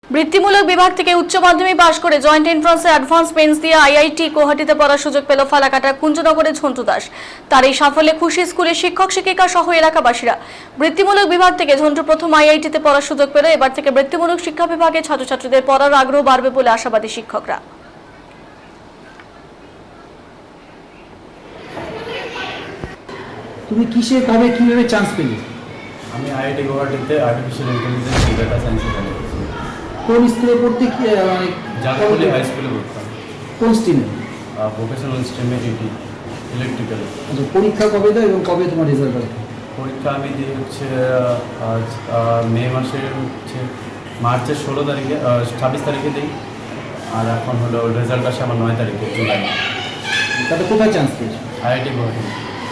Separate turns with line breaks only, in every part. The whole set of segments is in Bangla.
বৃত্তিমূলক বিভাগ থেকে উচ্চ মাধ্যমিক পাশ করে জয়েন্ট এন্ট্রান্সে অ্যাডভান্স মেন্স দিয়ে আইআইটি গুয়াহাটিতে পড়ার সুযোগ পেল ফালাকাটার কুঞ্জনগরের ঝন্টু দাস। তার এই সাফল্যে খুশি স্কুলের শিক্ষক শিক্ষিকা সহ এলাকাবাসীরা। বৃত্তিমূলক বিভাগ থেকে ঝন্টু প্রথম আইআইটিতে পড়ার সুযোগ পেল। এবার থেকে বৃত্তিমূলক শিক্ষা বিভাগে ছাত্রছাত্রীদের পড়ার আগ্রহ বাড়বে বলে আশাবাদী শিক্ষকরা।
তুমি কিসে কবে কিভাবে চান্স পেলে?
আমি আইআইটি গুয়াহাটিতে আর্টিফিশিয়াল ইন্টেলিজেন্স ও ডেটা সায়েন্সে পড়ি।
কোন স্কুলে পড়তে কি মানে
জাতীয় হাই স্কুলে পড়তাম।
কোন স্ট্রিমে?
Vocational স্ট্রিমে electrical.
আচ্ছা, পরীক্ষা কবে দাও এবং কবে তোমার রেজাল্ট আসবে?
পরীক্ষা আমি দিই আজ মে মাসের মার্চের 16 তারিখে 26 তারিখে দিই। আর এখন হলো রেজাল্ট আসে আমার 9 তারিখে জুলাই।
তাতে কোথায় চান্স পেয়েছো?
আইআইটি গুয়াহাটি।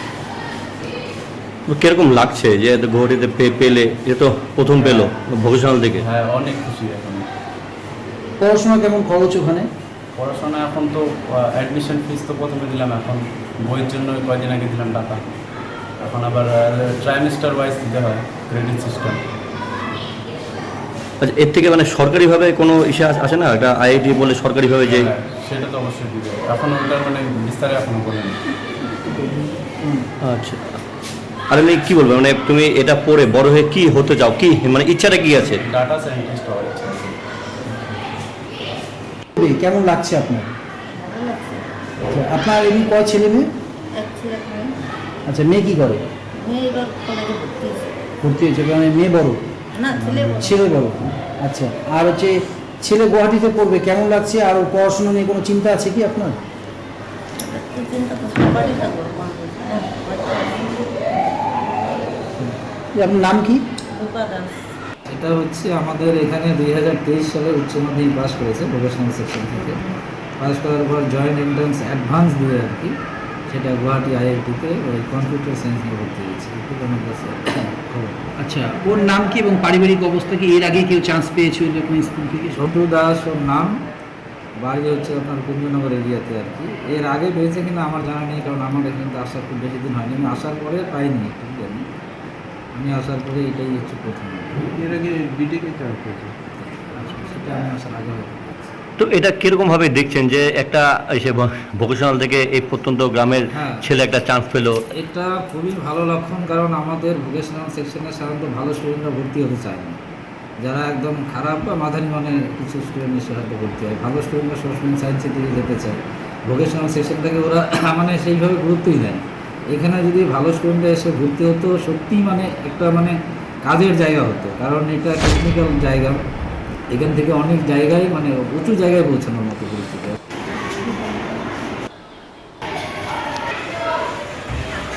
কিরকম লাগছে যে গুয়াহাটিতে পেলে? এ তো প্রথম পেলো ভোকেশনাল থেকে।
হ্যাঁ, অনেক খুশি এখন।
পড়াশোনা কেমন খরচ ওখানে?
পড়াশোনা এখন তো অ্যাডমিশন ফিস তো প্রথমে দিলাম, এখন বইয়ের জন্য কয়েকদিন আগে দিলাম টাকা। এখন আবার ট্রাইমেস্টার ওয়াইজ দিতে হয়, ক্রেডিট সিস্টেম।
আচ্ছা, এর থেকে মানে সরকারিভাবে কোনো ইসে আসে না? এটা আইআইটি বলে সরকারিভাবে যে
সেটা তো অবশ্যই দিবে। এখন ওটার মানে বিস্তারে এখনো বলেনি।
আচ্ছা, আর আমি কি বলবো, মানে তুমি এটা পড়ে বড় হয়ে কি হতে চাও, কি মানে ইচ্ছাটা কি আছে?
ডাটা সায়েন্টিস্ট হওয়ার ইচ্ছা আছে।
কেমন লাগছে আপনার? আচ্ছা, আপনার এমনি কয় ছেলে মেয়ে? আচ্ছা, মেয়ে কি করে? ভর্তি হয়েছে মানে মেয়ে বড়? ছেলে বড়। আচ্ছা, আর হচ্ছে ছেলে গুয়াহাটিতে পড়বে, কেমন লাগছে? আর পড়াশোনা নিয়ে কোনো চিন্তা আছে কি আপনার? আপনার নাম কি?
এটা হচ্ছে আমাদের এখানে 2023 সালে উচ্চ মাধ্যমিক পাস করেছে ভোকেশনাল সেকশন থেকে। পাস করার পর জয়েন্ট এন্ট্রান্স অ্যাডভান্স দিয়ে আর কি, সেটা গুয়াহাটি আইআইটিতে ওই কম্পিউটার সায়েন্স নিয়ে ভর্তি হয়েছে। খুব আমার কাছে খবর।
আচ্ছা, ওর নাম কি এবং পারিবারিক অবস্থা কি? এর আগে কেউ চান্স পেয়েছিল এরকম স্কুল থেকে?
ঝন্টু দাস ওর নাম, বাড়ি হচ্ছে আপনার কুঞ্জনগর এরিয়াতে আর কি। এর আগে পেয়েছে কিনা আমার জানা নেই, কারণ আমার এখানে তো আসার খুব বেশি দিন হয়নি। আমি আসার পরে পাইনি, ঠিক আছে। আমি আসার পরে এটাই হচ্ছে প্রথম।
এর আগে বিটেকে চান্স পেয়েছে।
আচ্ছা, সেটা আমি আসার আগে হয়তো।
তো এটা কিরকমভাবে দেখছেন যে একটা এসে ভোকেশনাল থেকে এই প্রত্যন্ত গ্রামের ছেলে একটা চান্স পেলো?
এটা খুবই ভালো লক্ষণ, কারণ আমাদের ভোকেশনাল সেকশনে সাধারণত ভালো স্টুডেন্টরা ভর্তি হতে চায় না। যারা একদম খারাপ বা মাঝারি মানে কিছু স্টুডেন্ট এসে হয়তো ভর্তি হয়। ভালো স্টুডেন্টরা সবসময় সায়েন্সের দিকে যেতে চায়। ভোকেশনাল সেকশন থেকে ওরা মানে সেইভাবে গুরুত্বই দেয়। এখানে যদি ভালো স্টুডেন্টরা এসে ভর্তি হতো, সত্যিই মানে একটা মানে কাজের জায়গা হতো, কারণ এটা টেকনিক্যাল জায়গা। এখান থেকে অনেক জায়গায় মানে উঁচু জায়গায় পৌঁছানোর মতো পরিস্থিতি।